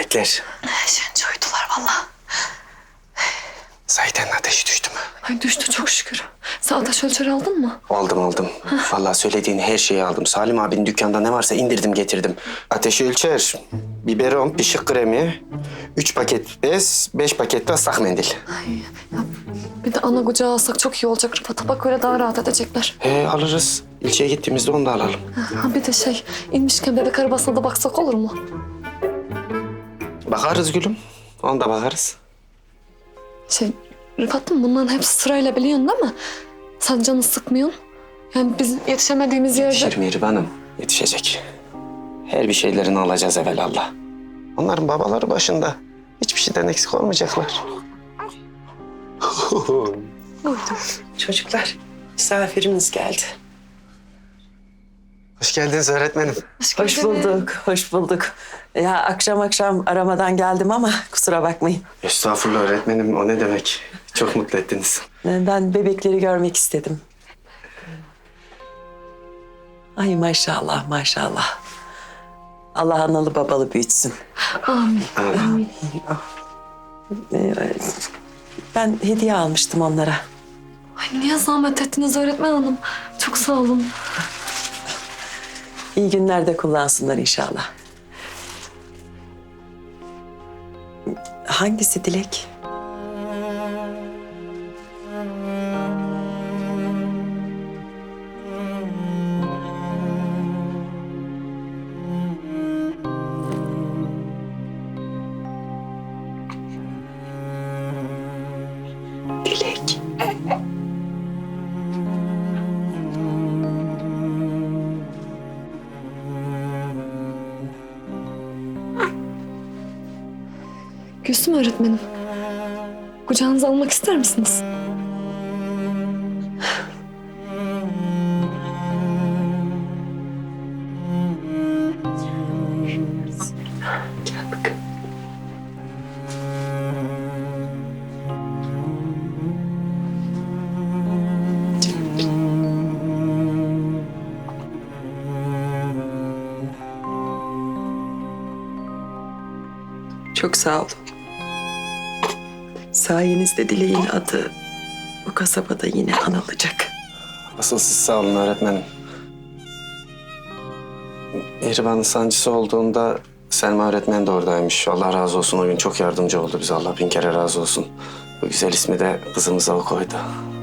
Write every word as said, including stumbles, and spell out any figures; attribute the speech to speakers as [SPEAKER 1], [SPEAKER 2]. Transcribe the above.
[SPEAKER 1] melekler.
[SPEAKER 2] Şimdi uyudular vallahi.
[SPEAKER 1] Zahiden ateşi düştü mü?
[SPEAKER 2] Ay düştü çok şükür. Sen ateş ölçeri aldın mı?
[SPEAKER 1] Aldım aldım. Vallahi söylediğin her şeyi aldım. Salim abinin dükkanda ne varsa indirdim getirdim. Ateşi ölçer, biberon, pişik kremi, üç paket bez, beş paket de ıslak mendil.
[SPEAKER 2] Ay ya bir de ana kucağı alsak çok iyi olacak Rıfat'a. Bak öyle daha rahat edecekler.
[SPEAKER 1] He alırız. İlçeye gittiğimizde onu da alalım.
[SPEAKER 2] Ha bir de şey inmişken bebek arabasına da baksak olur mu?
[SPEAKER 1] Bakarız gülüm. Ona da bakarız.
[SPEAKER 2] Şey Rıfat'ım bunların hepsi sırayla biliyorsun değil mi? Sen canını sıkmıyorsun. Yani biz yetişemediğimiz yerde...
[SPEAKER 1] Yetişir Mihriban'ım. Yetişecek. Her bir şeylerini alacağız evelallah. Onların babaları başında. Hiçbir şeyden eksik olmayacaklar.
[SPEAKER 3] Çocuklar, misafirimiz geldi.
[SPEAKER 1] Hoş geldiniz öğretmenim.
[SPEAKER 3] Hoş bulduk, hoş bulduk. Ya akşam akşam aramadan geldim ama kusura bakmayın.
[SPEAKER 1] Estağfurullah öğretmenim. O ne demek? Çok mutlu ettiniz.
[SPEAKER 3] Ben bebekleri görmek istedim. Ay maşallah, maşallah. Allah analı babalı büyütsün.
[SPEAKER 2] Amin. Amin.
[SPEAKER 3] Ee, Ben hediye almıştım onlara.
[SPEAKER 2] Ay niye zahmet ettiniz öğretmen hanım? Çok sağ olun.
[SPEAKER 3] İyi günlerde kullansınlar inşallah. Hangisi Dilek? Dilek.
[SPEAKER 2] Gülsüm öğretmenim. Kucağınıza almak ister misiniz?
[SPEAKER 3] Gel bakalım. Çok sağ olun. Sayenizde Dilek'in adı bu kasabada yine anılacak.
[SPEAKER 1] Asıl siz sağ olun öğretmenim. Mihriban'ın sancısı olduğunda Selma öğretmen de oradaymış. Allah razı olsun. O gün çok yardımcı oldu bize. Allah bin kere razı olsun. Bu güzel ismi de kızımıza o koydu.